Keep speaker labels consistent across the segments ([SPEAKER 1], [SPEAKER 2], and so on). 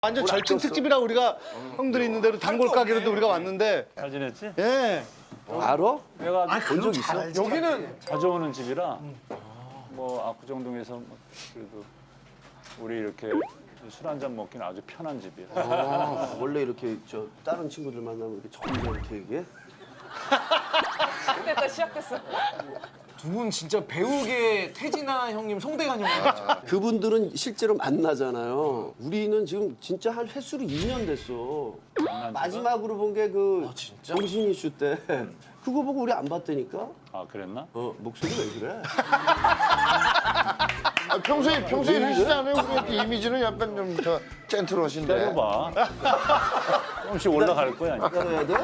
[SPEAKER 1] 완전 절친 특집이라 우리가 형들이 있는 대로 단골 가게로도 우리가 왔는데.
[SPEAKER 2] 잘 지냈지?
[SPEAKER 1] 예.
[SPEAKER 3] 알아?
[SPEAKER 2] 내가
[SPEAKER 3] 본 적 있어?
[SPEAKER 4] 여기는
[SPEAKER 2] 자주 오는 집이라 뭐 압구정동에서 뭐 그래도 우리 이렇게 술 한잔 먹기는 아주 편한 집이야.
[SPEAKER 3] 아, 원래 이렇게 저 다른 친구들 만나면 이렇게 점점 이렇게 얘기해?
[SPEAKER 5] 됐다 시작됐어.
[SPEAKER 4] 두 분 진짜 배우계 태진아 형님, 송대관 형님 같죠?
[SPEAKER 3] 그분들은 실제로 만나잖아요. 우리는 지금 진짜 한 횟수로 2년 됐어. 마지막으로 본 게 그 정신 이슈 때 그거 보고 우리 안 봤다니까?
[SPEAKER 2] 아 그랬나?
[SPEAKER 3] 목소리 왜 그래?
[SPEAKER 6] 평소에 하시지 않아요? 우리 이미지는 약간 좀 더 젠틀하신데.
[SPEAKER 2] 때려봐. 조금씩 올라갈 거야. 이제.
[SPEAKER 3] 따라야 돼?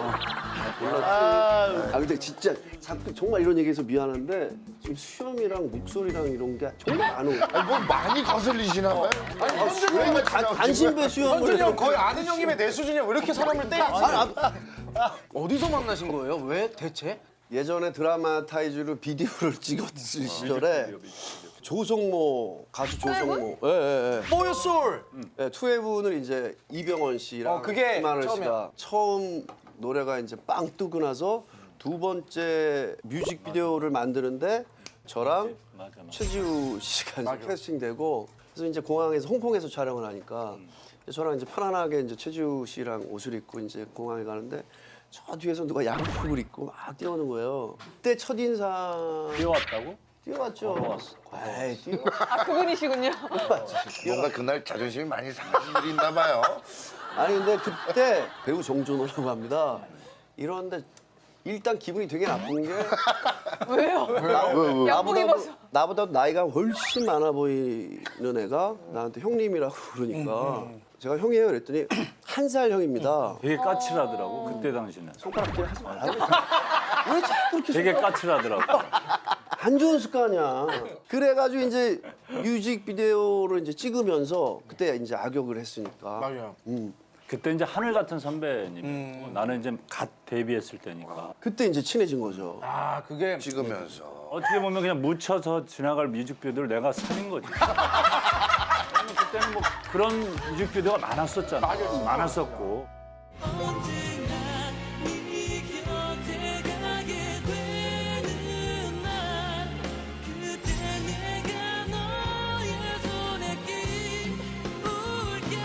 [SPEAKER 3] 근데 진짜 자꾸 정말 이런 얘기해서 미안한데 지금 수염이랑 목소리랑 이런 게 정말 안 오고.
[SPEAKER 6] 뭐 많이 거슬리시나 봐요.
[SPEAKER 4] 아니 현준이 형,
[SPEAKER 3] 간신배 수염을
[SPEAKER 4] 현준이 형 거의 아는 형님의 내 수준이야. 왜 이렇게 사람을 때리지? 어디서 만나신 거예요? 왜 대체?
[SPEAKER 3] 예전에 드라마 타이즈로 비디오를 찍었을 시절에 조성모 가수 조성모
[SPEAKER 4] For Your Soul.
[SPEAKER 3] 투웨이브는 이제 이병헌 씨랑
[SPEAKER 4] 그게
[SPEAKER 3] 김하늘
[SPEAKER 4] 처음이야.
[SPEAKER 3] 씨가 처음 노래가 이제 빵 뜨고 나서 두 번째 뮤직비디오를 만드는데 저랑
[SPEAKER 2] 맞아.
[SPEAKER 3] 최지우 씨가 이제 캐스팅되고 그래서 이제 공항에서 홍콩에서 촬영을 하니까 저랑 이제 편안하게 이제 최지우 씨랑 옷을 입고 이제 공항에 가는데 저 뒤에서 누가 양복을 입고 막 뛰어오는 거예요. 그때 첫 인상
[SPEAKER 2] 뛰어왔다고?
[SPEAKER 3] 뛰어왔죠. 에이, 뛰어.
[SPEAKER 5] 아 그분이시군요.
[SPEAKER 6] 뭔가 그날 자존심이 많이 상하신 일이 있나 봐요.
[SPEAKER 3] 아니 근데 그때 배우 정준호라고 합니다. 이런데 일단 기분이 되게 나쁜 게
[SPEAKER 5] 왜요? 양복 입어서.
[SPEAKER 3] 나보다 나이가 훨씬 많아 보이는 애가 나한테 형님이라고 그러니까 제가 형이에요 그랬더니 한 살 형입니다.
[SPEAKER 2] 되게 까칠하더라고 그때 당시는.
[SPEAKER 3] 손가락질 하지 말라고. 왜 자꾸 그렇게
[SPEAKER 2] 되게 까칠하더라고.
[SPEAKER 3] 안 좋은 습관이야. 그래가지고 이제 뮤직비디오를 이제 찍으면서 그때 이제 악역을 했으니까.
[SPEAKER 4] 맞아요.
[SPEAKER 2] 그때 이제 하늘 같은 선배님. 나는 이제 갓 데뷔했을 때니까.
[SPEAKER 3] 그때 이제 친해진 거죠.
[SPEAKER 4] 아 그게
[SPEAKER 6] 찍으면서.
[SPEAKER 2] 어떻게 보면 그냥 묻혀서 지나갈 뮤직비디오를 내가 살린 거지. 왜냐면 그때는 뭐 그런 뮤직비디오가 많았었잖아. 많았었고.
[SPEAKER 7] 언제나 네 곁에 가게 되는 날 그때 내가 너의 손에 끼울게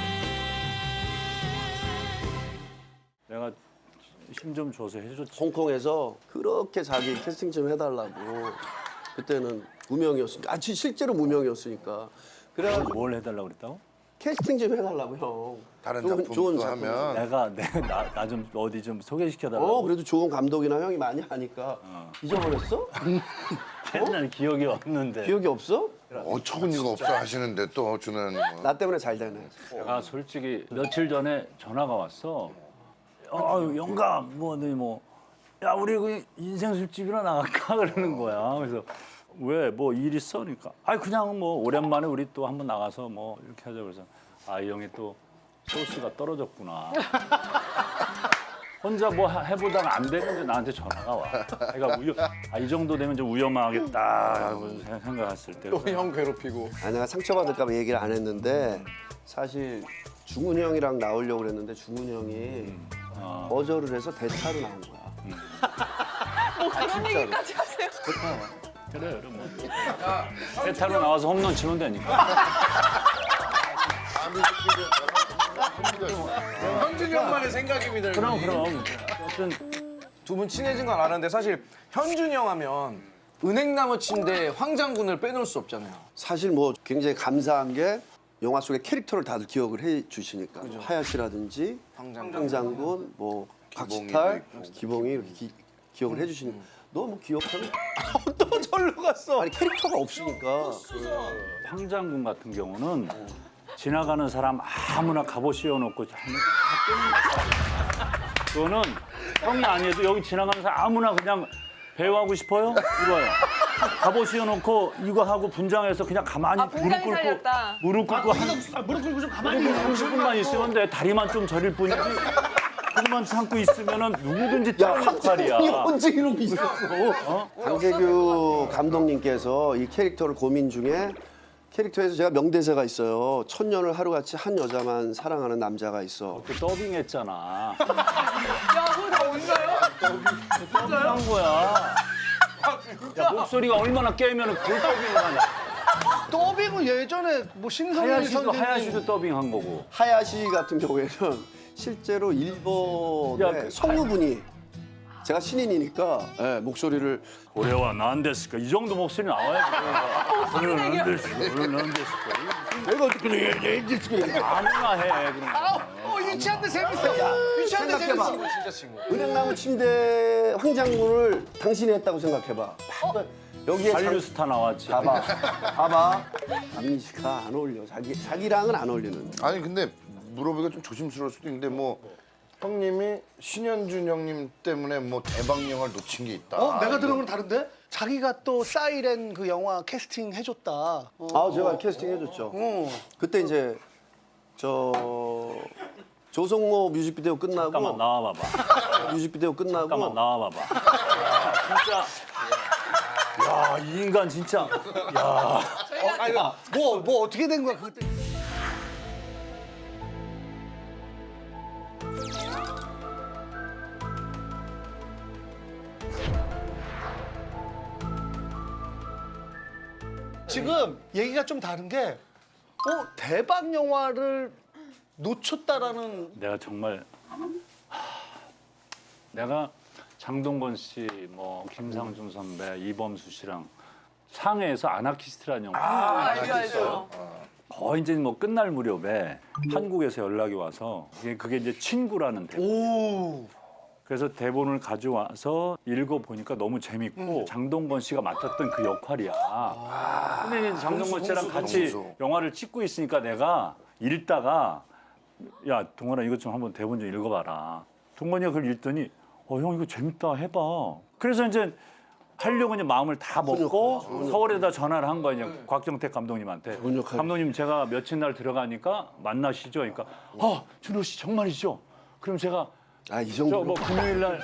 [SPEAKER 2] 내가 힘 좀 줘서 해줬지.
[SPEAKER 3] 홍콩에서 그렇게 자기 캐스팅 좀 해달라고. 그때는 무명이었으니까. 실제로 무명이었으니까. 그래가지고
[SPEAKER 2] 뭘 해달라고 그랬다고?
[SPEAKER 3] 캐스팅 좀 해달라고 형.
[SPEAKER 6] 다른
[SPEAKER 3] 좋은
[SPEAKER 6] 작품도
[SPEAKER 3] 작품.
[SPEAKER 6] 하면
[SPEAKER 2] 내가 나 좀 어디 좀 소개시켜달라고.
[SPEAKER 3] 그래도 좋은 감독이나 형이 많이 하니까. 잊어버렸어?
[SPEAKER 2] 옛날 기억이 없는데.
[SPEAKER 3] 기억이 없어?
[SPEAKER 6] 어처구니가 없어 하시는데 또 주는 뭐.
[SPEAKER 3] 나 때문에 잘 되네.
[SPEAKER 2] 내가 솔직히 며칠 전에 전화가 왔어. 영감, 야 우리 그 인생 술집이나 나갈까 그러는 거야. 그래서 왜 뭐 일 있어? 그러니까 그냥 뭐 오랜만에 우리 또 한번 나가서 뭐 이렇게 하자 그래서 이 형이 또 소스가 떨어졌구나. 혼자 뭐 해보다가 안 되는데 나한테 전화가 와. 그러니까 이 정도 되면 좀 위험하겠다 하고 생각했을 때.
[SPEAKER 4] 또 형 괴롭히고.
[SPEAKER 3] 내가 상처받을까 봐 얘기를 안 했는데 사실 중훈이 형이랑 나오려고 그랬는데 중훈이 형이 거절을 해서 대타로 나온 거야.
[SPEAKER 5] 뭐 그런 얘기까지 하세요?
[SPEAKER 2] 그래 뭐. 세타로 나와서 홈런 치면 되니까.
[SPEAKER 4] 현준이 형만의 생각입니다.
[SPEAKER 2] 그럼. 어떤
[SPEAKER 4] 두 분 친해진 건 아는데 사실 현준이 형 하면 은행나무 침대 황장군을 빼놓을 수 없잖아요.
[SPEAKER 3] 사실 뭐 굉장히 감사한 게 영화 속의 캐릭터를 다들 기억을 해 주시니까 하야시라든지 황장군, 뭐 박시탈, 기봉이 이렇게 기억을 해 주시니까 너 뭐 기억하는?
[SPEAKER 4] 또 절로 갔어.
[SPEAKER 3] 아니 캐릭터가 없으니까.
[SPEAKER 2] 황장군 같은 경우는 지나가는 사람 아무나 갑옷 씌워놓고 그거는 형이 아니어도 여기 지나가는 사람 아무나 그냥 배우하고 싶어요? 이거요. 갑옷 씌워놓고 이거 하고 분장해서 그냥 가만히
[SPEAKER 5] 분장이 살렸다.
[SPEAKER 2] 무릎 꿇고 무릎 꿇고 좀 가만히 30분만 있으면 돼. 다리만 좀 저릴 뿐이지. 그만 참고 있으면은 누구든지 짱 역할이야.
[SPEAKER 3] 언제 이런 게 있었어? 강재규 감독님께서 이 캐릭터를 고민 중에 캐릭터에서 제가 명대사가 있어요. 천년을 하루같이 한 여자만 사랑하는 남자가 있어.
[SPEAKER 2] 그 더빙했잖아.
[SPEAKER 5] 야, 그거 다 온거예요?
[SPEAKER 2] 더빙한 거야. 야, 목소리가 얼마나 깨면 그걸 더빙을 하냐.
[SPEAKER 1] 더빙은 예전에 뭐 신성일
[SPEAKER 2] 하야시도
[SPEAKER 1] 선생님
[SPEAKER 2] 더빙한 거고.
[SPEAKER 3] 하야시 같은 경우에는 실제로 일본의
[SPEAKER 2] 야, 그
[SPEAKER 3] 성우분이 제가 신인이니까 예, 목소리를
[SPEAKER 2] 고래와 난데스까 이 정도 목소리 나와야지. 그런 난데스까, 그런 난데스까.
[SPEAKER 3] 내가 어떻게 그래
[SPEAKER 2] 아무나 해 그런 거.
[SPEAKER 1] 유치한데 재밌어. 유치한데 재밌어.
[SPEAKER 3] 생각해봐.
[SPEAKER 4] 진짜 친구.
[SPEAKER 3] 은행나무 침대 황장군을 당신이 했다고 생각해봐. 여기에
[SPEAKER 2] 한류스타 나왔지.
[SPEAKER 3] 봐봐. 남미씨가 안 어울려. 자기랑은 안 어울리는.
[SPEAKER 6] 아니 근데 물어보기가 좀 조심스러울 수도 있는데 뭐 형님이 신현준 형님 때문에 뭐 대박 영화를 놓친 게 있다.
[SPEAKER 1] 내가 들은 건 다른데? 자기가 또 사이렌 그 영화 캐스팅 해줬다.
[SPEAKER 3] 아 제가 캐스팅 해줬죠. 그때 이제 조성모 뮤직비디오 끝나고
[SPEAKER 2] 잠깐만 나와봐봐.
[SPEAKER 3] 뮤직비디오 끝나고
[SPEAKER 2] 잠깐만 나와봐봐. 진짜. 야, 이 인간 진짜. 야.
[SPEAKER 1] 뭐 어떻게 된 거야 그때? 지금 얘기가 좀 다른 게 대박 영화를 놓쳤다라는
[SPEAKER 2] 내가 정말 내가 장동건 씨, 뭐 김상중 선배, 이범수 씨랑 상해에서 아나키스트라는 영화
[SPEAKER 5] 알죠.
[SPEAKER 2] 거의 이제 뭐 끝날 무렵에 한국에서 연락이 와서 그게 이제 친구라는 대본. 그래서 대본을 가져와서 읽어보니까 너무 재밌고 장동건 씨가 맡았던 그 역할이야. 근데 이제 장동건 씨랑 같이 영화를 찍고 있으니까 내가 읽다가 야 동건아 이것 좀 한번 대본 좀 읽어봐라. 동건이가 그걸 읽더니 형 이거 재밌다 해봐. 그래서 이제 하려고 이제 마음을 다 먹고 서울에다 전화를 한 거야 이제 곽정택 감독님한테. 감독님 제가 며칠 날 들어가니까 만나시죠. 그러니까 준호 씨 정말이죠. 그럼 제가
[SPEAKER 3] 이
[SPEAKER 2] 저
[SPEAKER 3] 정도.
[SPEAKER 2] 뭐 금요일 날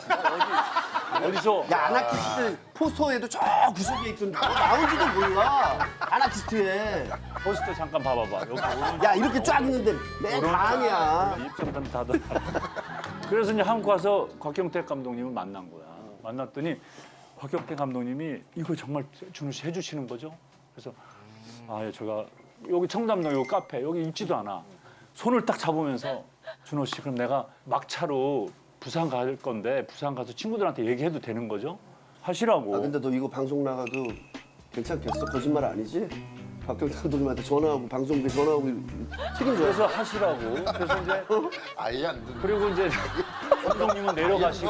[SPEAKER 2] 어디서
[SPEAKER 3] 야 아나키스트 포스터에도 저 구석에 있던 나오지도 몰라. 아나키스트에.
[SPEAKER 2] 포스터 잠깐 봐봐봐. 여기 오른쪽
[SPEAKER 3] 야 이렇게 쫙 있는데 맨 방이야.
[SPEAKER 2] 입장판 닫아. 그래서 이제 한국 가서 곽경택 감독님을 만난 거야. 만났더니 곽경택 감독님이 이거 정말 준호 씨 해주시는 거죠? 그래서 예, 제가 여기 청담동 여기 카페 여기 있지도 않아. 손을 딱 잡으면서 준호 씨 그럼 내가 막차로 부산 갈 건데 부산 가서 친구들한테 얘기해도 되는 거죠? 하시라고.
[SPEAKER 3] 근데 너 이거 방송 나가도 괜찮겠어? 거짓말 아니지? 박경태 감독님한테 전화하고 방송국에 전화하고 책임져야
[SPEAKER 2] 그래서 하시라고. 그래서 이제
[SPEAKER 6] 아예 안 듣는.
[SPEAKER 2] 그리고 이제 감독님은 내려가시고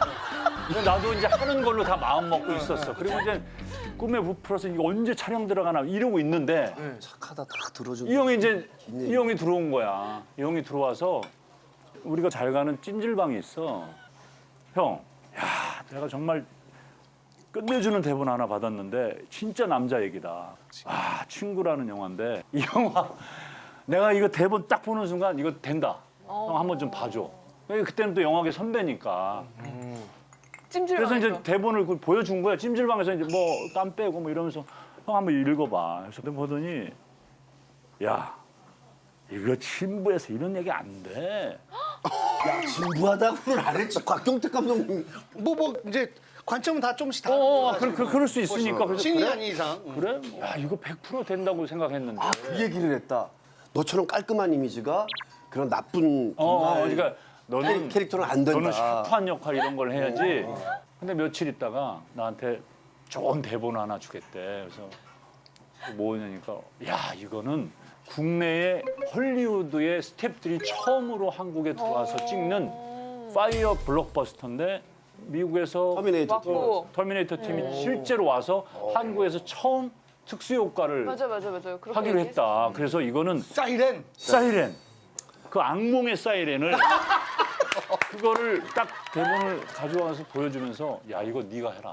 [SPEAKER 2] 나도 이제 하는 걸로 다 마음 먹고 있었어. 그리고 이제 꿈에 부풀어서 이거 언제 촬영 들어가나 이러고 있는데
[SPEAKER 3] 착하다 다 들어준다.
[SPEAKER 2] 이 형이 이제 이 형이 들어온 거야. 이 형이 들어와서 우리가 잘 가는 찜질방이 있어. 형, 야, 내가 정말 끝내주는 대본 하나 받았는데 진짜 남자 얘기다. 친구라는 영화인데 이 영화 내가 이거 대본 딱 보는 순간 이거 된다. 형 한번 좀 봐줘. 그때는 또 영화계 선배니까. 그래서 이제 대본을 그걸 보여준 거야. 찜질방에서 이제 뭐 땀 빼고 뭐 이러면서 형 한번 읽어봐. 그래서 보더니 야 이거 친부에서 이런 얘기 안 돼.
[SPEAKER 3] 진부하다고는 안 했지. 곽경택 감독님.
[SPEAKER 1] 뭐 이제 관점은 다 조금씩 다른
[SPEAKER 2] 그럴 수 있으니까. 그래서
[SPEAKER 1] 신이
[SPEAKER 2] 그래?
[SPEAKER 1] 아닌 이상.
[SPEAKER 2] 그래? 야 이거 100% 된다고 생각했는데.
[SPEAKER 3] 그 얘기를 했다. 너처럼 깔끔한 이미지가 그런 나쁜 정말
[SPEAKER 2] 그러니까 너는
[SPEAKER 3] 캐릭터는 안 된다.
[SPEAKER 2] 너는 샤프한 역할 이런 걸 해야지. 근데 며칠 있다가 나한테 좋은 대본 하나 주겠대. 그래서 뭐냐니까 야 이거는 국내의 헐리우드의 스태프들이 처음으로 한국에 들어와서 찍는 파이어 블록버스터인데 미국에서 터미네이터 팀이 실제로 와서 한국에서 처음 특수 효과를
[SPEAKER 5] 맞아요.
[SPEAKER 2] 하기로 했다. 그래서 이거는
[SPEAKER 1] 사이렌.
[SPEAKER 2] 그 악몽의 사이렌을 그거를 딱 대본을 가져와서 보여주면서 야 이거 네가 해라.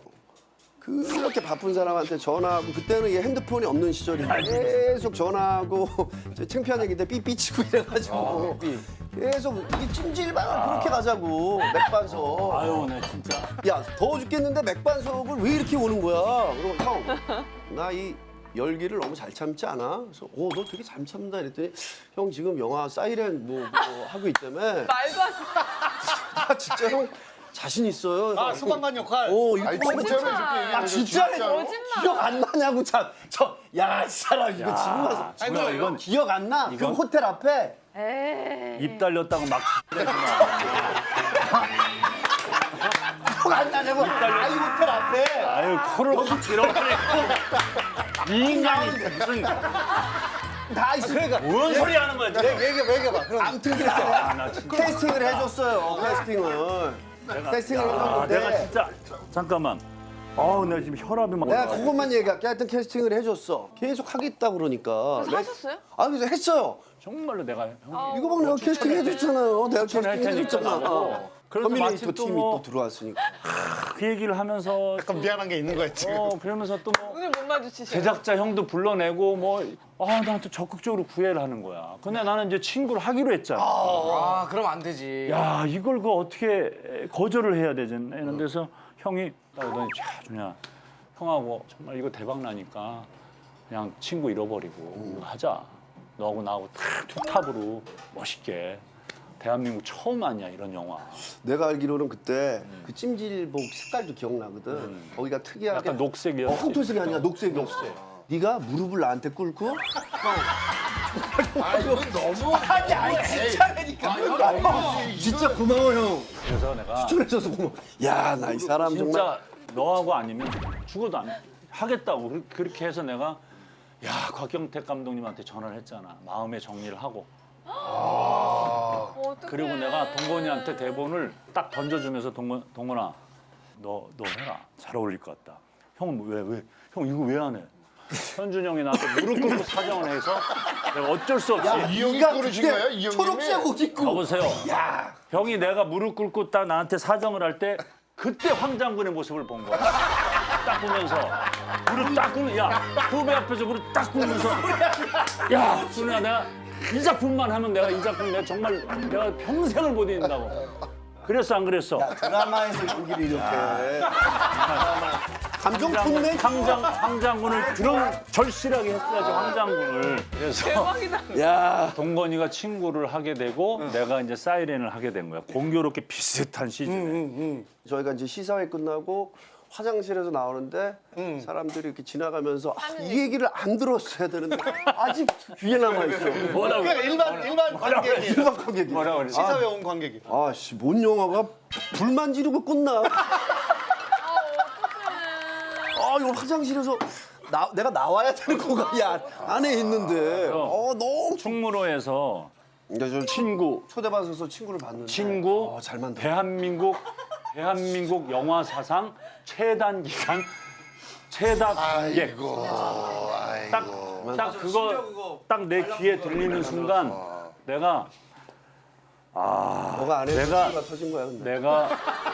[SPEAKER 3] 그렇게 바쁜 사람한테 전화하고 그때는 이게 핸드폰이 없는 시절인데 계속 전화하고 창피한 얘기인데 삐삐치고 이래가지고 계속 이 찜질방을 그렇게 가자고 맥반석.
[SPEAKER 2] 아유 내 진짜.
[SPEAKER 3] 야 더워 죽겠는데 맥반석을 왜 이렇게 오는 거야? 그럼 형 나 이 열기를 너무 잘 참지 않아? 그래서 너 되게 잘 참다 이랬더니 형 지금 영화 사이렌 뭐 하고 있다며.
[SPEAKER 5] 말도 안 돼.
[SPEAKER 3] 아 진짜 형 자신 있어요.
[SPEAKER 1] 아 소방관 역할.
[SPEAKER 3] 이거
[SPEAKER 6] 아니
[SPEAKER 3] 뭐-
[SPEAKER 6] 진짜로 이렇게
[SPEAKER 3] 아 진짜래?
[SPEAKER 5] 거짓말.
[SPEAKER 3] 기억 안 나냐고 이 사람 이거 지금 와서
[SPEAKER 2] 뭐야, 이건
[SPEAKER 3] 기억 안 나? 그
[SPEAKER 2] 이건-
[SPEAKER 3] 호텔 앞에
[SPEAKER 5] 에이.
[SPEAKER 2] 입 달렸다고 막
[SPEAKER 3] 기억 안 나냐고? 이 호텔 앞에.
[SPEAKER 2] 아유 코를 확 들어가네. 이 인간이 무슨
[SPEAKER 3] 다 있어. 그러니까
[SPEAKER 2] 뭔 소리 하는 거야 지금?
[SPEAKER 1] 얘기해봐. 그럼
[SPEAKER 3] 아무튼 그랬어.
[SPEAKER 2] 나 진짜.
[SPEAKER 3] 캐스팅을 해줬어요. 캐스팅을. 캐스팅을 해줬는데
[SPEAKER 2] 내가 진짜 잠깐만. 내가 지금 혈압이 막.
[SPEAKER 3] 내가 그것만 얘기할게. 하여튼 캐스팅을 해줬어. 계속 하겠다 그러니까.
[SPEAKER 5] 그래서 하셨어요?
[SPEAKER 3] 그래서 했어요.
[SPEAKER 2] 정말로 내가 형.
[SPEAKER 3] 이거 봐 내가 캐스팅 해줬잖아요. 내가
[SPEAKER 2] 추천할
[SPEAKER 3] 캐스팅
[SPEAKER 2] 테니까
[SPEAKER 3] 해줬잖아.
[SPEAKER 2] 나도. 그래서
[SPEAKER 3] 커뮤니티
[SPEAKER 2] 마침 또
[SPEAKER 3] 팀이
[SPEAKER 2] 뭐-
[SPEAKER 3] 또 들어왔으니까.
[SPEAKER 2] 그 얘기를 하면서
[SPEAKER 1] 약간 미안한 게 있는 거야 지금.
[SPEAKER 2] 그러면서 또 뭐
[SPEAKER 5] 오늘 못 마주치셔.
[SPEAKER 2] 제작자 형도 불러내고 나한테 적극적으로 구애를 하는 거야. 근데 나는 이제 친구를 하기로 했잖아.
[SPEAKER 4] 아 그럼 안 되지.
[SPEAKER 2] 야 이걸 어떻게 거절을 해야 되지? 이런 데서 형이 나오더니 준야 형하고 정말 이거 대박 나니까 그냥 친구 잃어버리고 이거 하자. 너하고 나하고 탁 투탑으로 멋있게. 대한민국 처음 아니야 이런 영화.
[SPEAKER 3] 내가 알기로는 그때 그 찜질복 색깔도 기억나거든. 거기가 특이하게
[SPEAKER 2] 약간 녹색이었지.
[SPEAKER 3] 황토색이 아니라 녹색이었어. 네가 무릎을 나한테 꿇고
[SPEAKER 6] 아 이건 너무
[SPEAKER 3] 아니 진짜라니까. 진짜 고마워 형.
[SPEAKER 2] 그래서 내가
[SPEAKER 3] 추천해줘서 고마워. 야 나 이 사람 정말.
[SPEAKER 2] 진짜 너하고 아니면 죽어도 안 하겠다고 그렇게 해서 내가 곽경택 감독님한테 전화를 했잖아. 마음의 정리를 하고.
[SPEAKER 5] 어떡해.
[SPEAKER 2] 그리고 내가 동건이한테 대본을 딱 던져주면서 동건아 너 해라. 잘 어울릴 것 같다. 형은 왜? 형 이거 왜 안 해? 현준 형이 나한테 무릎 꿇고 사정을 해서 내가 어쩔 수 없이
[SPEAKER 6] 이 형이 그러신 거예요? 이 형님이?
[SPEAKER 3] 초록색 옷 입고.
[SPEAKER 2] 여보세요. 형이 내가 무릎 꿇고 딱 나한테 사정을 할 때 그때 황장군의 모습을 본 거야. 딱 보면서 무릎 딱 꿇는 후배 앞에서 무릎 딱 꿇으면서 준우야 내가 이 작품만 하면 내가 이 작품 내가 정말 내가 평생을 못 잊는다고. 그랬어 안 그랬어?
[SPEAKER 3] 드라마에서 연기를 이렇게. 감정 톤네.
[SPEAKER 2] 황장군을 그런 절실하게 했어야지 황장군을. 그래서
[SPEAKER 5] 대박이다.
[SPEAKER 3] 야.
[SPEAKER 2] 동건이가 친구를 하게 되고 내가 이제 사이렌을 하게 된 거야. 공교롭게 비슷한 시즌에.
[SPEAKER 3] 저희가 이제 시사회 끝나고 화장실에서 나오는데 사람들이 이렇게 지나가면서 이 얘기를 안 들었어야 되는데 아직 귀에 남아 있어.
[SPEAKER 2] 뭐라고?
[SPEAKER 1] 그러니까 일반 관객이.
[SPEAKER 3] 일반 관객이.
[SPEAKER 2] 뭐라고 그랬어?
[SPEAKER 1] 시사회 온 관객이.
[SPEAKER 3] 아씨, 뭔 영화가 불만 지르고 끝나? 이거 화장실에서 내가 나와야 되는 거가 안에 있는데. 너무.
[SPEAKER 2] 충무로에서
[SPEAKER 3] 그러니까 저
[SPEAKER 2] 친구
[SPEAKER 3] 초대받아서 친구를 봤는데.
[SPEAKER 2] 친구
[SPEAKER 3] 잘 만들어.
[SPEAKER 2] 대한민국 영화 사상 최단 기간 최다 관객.
[SPEAKER 6] 아이고
[SPEAKER 2] 딱 그거 딱 내 귀에 들리는 순간 내가
[SPEAKER 3] 너가 안에
[SPEAKER 2] 내가-
[SPEAKER 3] 친구가 터진 거야 근데.
[SPEAKER 2] 내가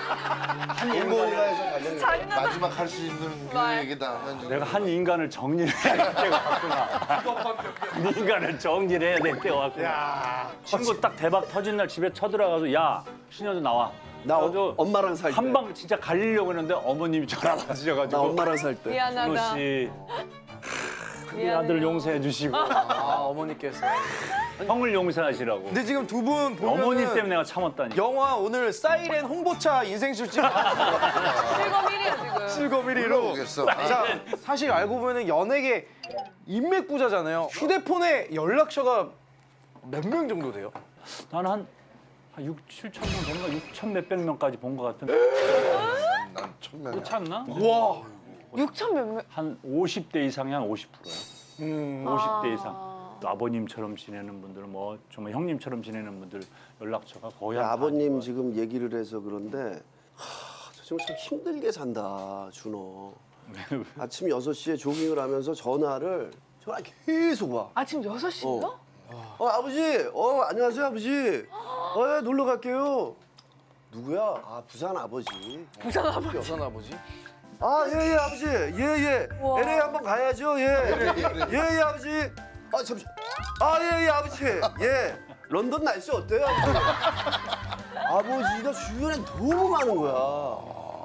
[SPEAKER 3] 일본가에서 관련이.
[SPEAKER 5] 잔인하다.
[SPEAKER 6] 마지막 할 수 있는 그
[SPEAKER 5] 말.
[SPEAKER 6] 얘기다. 현준이.
[SPEAKER 2] 내가 한 인간을 정리해야 될 때가 왔구나. 한 인간을 정리해야 될 때가 왔구나. 친구 딱 대박 터진 날 집에 쳐들어가서 야 신현주 나와.
[SPEAKER 3] 나
[SPEAKER 2] 그래가지고
[SPEAKER 3] 엄마랑 살 때.
[SPEAKER 2] 한 방 진짜 갈리려고 했는데 어머님이 전화
[SPEAKER 3] 나
[SPEAKER 2] 받으셔가지고
[SPEAKER 3] 엄마랑 살 때.
[SPEAKER 2] 준호
[SPEAKER 5] 미안하다.
[SPEAKER 2] 씨 우리
[SPEAKER 5] 미안해요.
[SPEAKER 2] 아들 용서해 주시고
[SPEAKER 4] 어머니께서.
[SPEAKER 2] 형을 용서하시라고.
[SPEAKER 4] 근데 지금 두 분 보면은
[SPEAKER 2] 어머니 때문에 내가 참았다니.
[SPEAKER 4] 영화 오늘 사이렌 홍보차 인생술집
[SPEAKER 5] 실검 1위야 지금.
[SPEAKER 4] 실검 1위로.
[SPEAKER 6] 모르겠어.
[SPEAKER 4] 자, 사실 알고 보면 연예계 인맥 부자잖아요. 휴대폰에 연락처가 몇 명 정도 돼요?
[SPEAKER 2] 나는 한 6, 7천 명 된가 6천 몇백 명까지 본 것 같은데
[SPEAKER 6] 난 천명이야.
[SPEAKER 2] 그렇지 않나?
[SPEAKER 4] 와.
[SPEAKER 5] 6천 몇 명.
[SPEAKER 2] 한 50대 이상이 한 50%야. 50대 이상. 또 아버님처럼 지내는 분들, 뭐 정말 형님처럼 지내는 분들 연락처가 거의 한
[SPEAKER 3] 아버님 지금 얘기를 해서 그런데 저 지금 참 힘들게 산다 준호. 아침 6시에 조깅을 하면서 전화 계속 와.
[SPEAKER 5] 아침 6시인가?
[SPEAKER 3] 아버지, 안녕하세요 아버지. 예, 놀러 갈게요. 누구야? 부산 아버지.
[SPEAKER 5] 부산 아버지.
[SPEAKER 4] 여산 아버지?
[SPEAKER 3] 예 아버지. 예.
[SPEAKER 5] 우와.
[SPEAKER 3] LA 한번 가야죠. 예 아버지. 잠시. 예 아버지. 예. 런던 날씨 어때요? 아버지가 주변에 너무 많은 거야.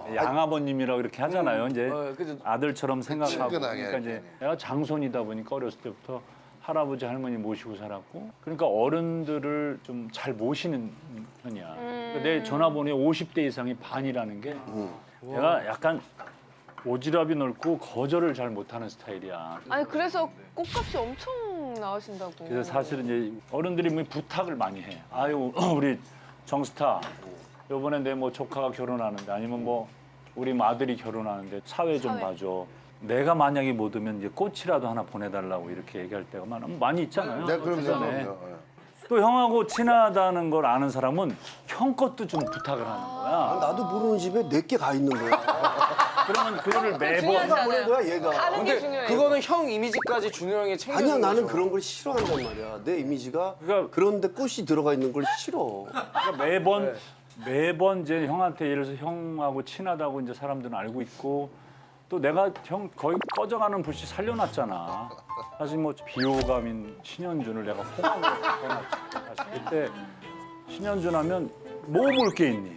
[SPEAKER 2] 양아버님이라고 이렇게 하잖아요. 이제
[SPEAKER 4] 그죠.
[SPEAKER 2] 아들처럼 생각하고.
[SPEAKER 6] 친근하게
[SPEAKER 2] 그러니까 이제 내가 장손이다 보니까 어렸을 때부터 할아버지 할머니 모시고 살았고, 그러니까 어른들을 좀 잘 모시는 편이야. 그러니까 내 전화번호에 50대 이상이 반이라는 게 내가 약간 오지랖이 넓고 거절을 잘 못하는 스타일이야.
[SPEAKER 5] 아니 그래서 꽃값이 엄청 나으신다고.
[SPEAKER 2] 그래서 사실은 이제 어른들이 뭐 부탁을 많이 해. 아유 우리 정스타 이번에 내 뭐 조카가 결혼하는데 아니면 뭐 우리 아들이 결혼하는데 사회 좀 봐줘. 내가 만약에 못 오면 이제 꽃이라도 하나 보내달라고 이렇게 얘기할 때가 많이 있잖아요.
[SPEAKER 6] 네, 그럼요.
[SPEAKER 2] 그전에.
[SPEAKER 6] 그럼요.
[SPEAKER 2] 또 형하고 친하다는 걸 아는 사람은 형 것도 좀 부탁을 하는 거야.
[SPEAKER 3] 나도 모르는 집에 내게 가 있는 거야.
[SPEAKER 2] 그러면 그거를 매번
[SPEAKER 5] 중요하잖아요.
[SPEAKER 3] 보낸 거야 얘가.
[SPEAKER 5] 하는 게
[SPEAKER 4] 근데
[SPEAKER 5] 중요해.
[SPEAKER 4] 그거는 형 이미지까지 준호 형이 챙겨주는
[SPEAKER 3] 아니야 나는
[SPEAKER 4] 거죠.
[SPEAKER 3] 그런 걸 싫어한단 말이야. 내 이미지가
[SPEAKER 2] 그러니까-
[SPEAKER 3] 그런데 꽃이 들어가 있는 걸 싫어.
[SPEAKER 2] 그러니까 매번 이제 형한테 예를 들어서 형하고 친하다고 이제 사람들은 알고 있고 또 내가 형 거의 꺼져가는 불씨 살려놨잖아. 사실 뭐 비호감인 신현준을 내가 호감으로 바꿔놨지. 사실 그때 신현준 하면 뭐 볼 게 있니?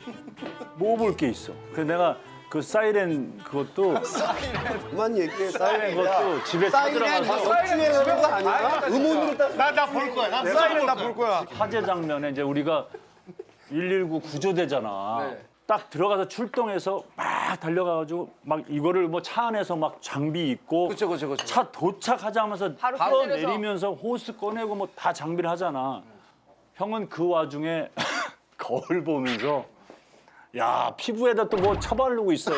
[SPEAKER 2] 뭐 볼 게 있어. 그래서 내가 그 사이렌 그것도
[SPEAKER 3] 그만 얘기해.
[SPEAKER 2] 사이렌 그것도 집에 찾아가서
[SPEAKER 3] 역주행하는 거 아니야? 음원으로 딱
[SPEAKER 1] 나 볼 거야. 나
[SPEAKER 4] 사이렌 나 볼 거야.
[SPEAKER 2] 화재 장면에 이제 우리가 119 구조대잖아.
[SPEAKER 4] 네.
[SPEAKER 2] 딱 들어가서 출동해서 막 달려가가지고 막 이거를 뭐 차 안에서 막 장비 입고
[SPEAKER 4] 그쵸.
[SPEAKER 2] 차 도착하자마자
[SPEAKER 5] 바로
[SPEAKER 2] 바로
[SPEAKER 5] 내려서.
[SPEAKER 2] 내리면서 호스 꺼내고 뭐 다 장비를 하잖아. 형은 그 와중에 거울 보면서 야 피부에다 또 뭐 쳐바르고 있어요.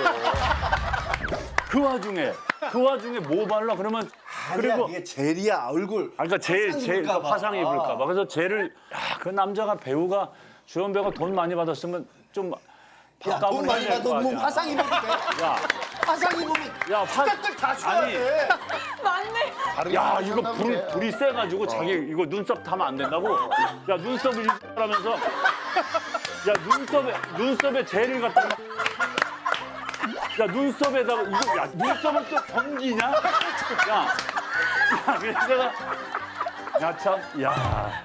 [SPEAKER 2] 그 와중에 뭐 발라 그러면
[SPEAKER 3] 그리고 이게 젤이야 얼굴.
[SPEAKER 2] 그러니까 제일
[SPEAKER 3] 입을까 봐.
[SPEAKER 2] 화상 입을까 봐. 그래서 쟤를 그 남자가 배우가 주연 배우가 돈 많이 받았으면 좀
[SPEAKER 3] 야, 돈 많이 받아 뭐 화상 입어도 돼?
[SPEAKER 2] 야,
[SPEAKER 3] 화상 입으면
[SPEAKER 2] 야,
[SPEAKER 3] 스태프들 다 줘야
[SPEAKER 2] 아니,
[SPEAKER 3] 돼.
[SPEAKER 5] 맞네.
[SPEAKER 2] 야 이거 불이 세가지고 자기 이거 눈썹 타면 안 된다고. 야 눈썹을 하면서 야 눈썹에 젤을 갖다. 야 눈썹에다가 이거 야 눈썹은 또 경기냐? 야 그래서 내가 야.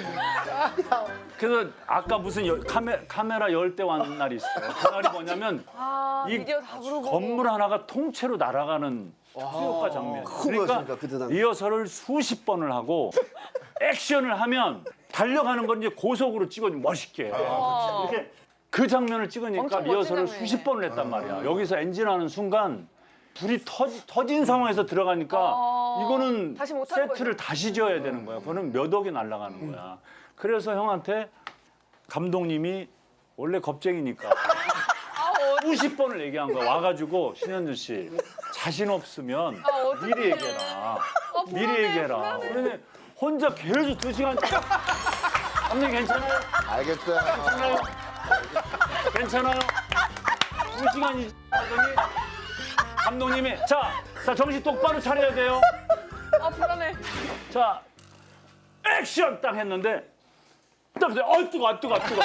[SPEAKER 2] 그래서 아까 무슨 카메라 열 대 왔는 날이 있어. 그날이 뭐냐면
[SPEAKER 5] 아
[SPEAKER 2] 이
[SPEAKER 5] 미디어 다 부르고.
[SPEAKER 2] 건물 하나가 통째로 날아가는 수효과 장면.
[SPEAKER 3] 거였으니까, 그때 당시.
[SPEAKER 2] 리허설을 수십 번을 하고 액션을 하면 달려가는 건 이제 고속으로 찍어 멋있게. 이렇게 그 장면을 찍으니까
[SPEAKER 5] 엄청 멋진
[SPEAKER 2] 리허설을
[SPEAKER 5] 장면이네.
[SPEAKER 2] 수십 번을 했단 말이야. 여기서 엔진하는 순간 불이 터진 상황에서 들어가니까 이거는
[SPEAKER 5] 다시 못 하는
[SPEAKER 2] 세트를 다시 지어야 되는 거야. 그거는 몇 억이 날아가는 거야. 그래서 형한테 감독님이 원래 겁쟁이니까 수십 번을 얘기한 거야. 와가지고 신현준 씨 자신 없으면
[SPEAKER 5] 어떡해.
[SPEAKER 2] 미리 얘기해라. 미리
[SPEAKER 5] 불안해,
[SPEAKER 2] 얘기해라.
[SPEAKER 5] 불안해.
[SPEAKER 2] 그러니 혼자 계속 2시간 감독님 괜찮아요?
[SPEAKER 6] 알겠어요.
[SPEAKER 2] 괜찮아요? 괜찮아요? 2시간이 하더니 감독님이 자 정신 똑바로 차려야 돼요.
[SPEAKER 5] 아 불안해.
[SPEAKER 2] 자 액션 딱 했는데 딱 그때 뜨거.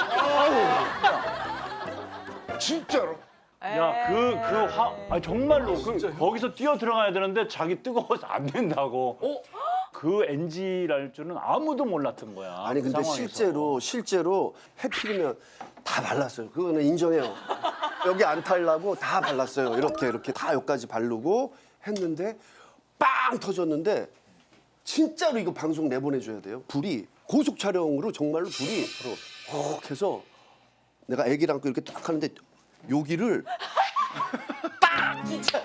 [SPEAKER 6] 진짜로?
[SPEAKER 2] 정말로 거기서 뛰어 들어가야 되는데 자기 뜨거워서 안 된다고. 그 NG랄 줄은 아무도 몰랐던 거야.
[SPEAKER 3] 아니
[SPEAKER 2] 그
[SPEAKER 3] 근데
[SPEAKER 2] 상황에서.
[SPEAKER 3] 실제로 해필이면 다 발랐어요. 그거는 인정해요. 여기 안 탈라고 다 발랐어요. 이렇게 다 여기까지 바르고 했는데 빵 터졌는데 진짜로 이거 방송 내보내줘야 돼요. 불이 고속 촬영으로 정말로 불이 훅 해서 내가 애기랑 안고 이렇게 딱 하는데 여기를 딱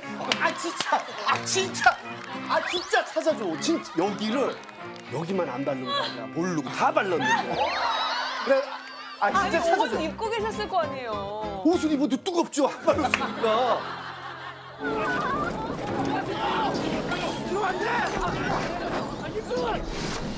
[SPEAKER 3] 진짜 찾아줘. 진짜 여기만 안 바른 거 아니야. 모르고 다 발랐는데. 그래 진짜
[SPEAKER 5] 아니
[SPEAKER 3] 찾아줘.
[SPEAKER 5] 옷은 입고 계셨을 거 아니에요.
[SPEAKER 3] 옷을 입어도 뜨겁죠. 안 발랐으니까.
[SPEAKER 7] 안 돼!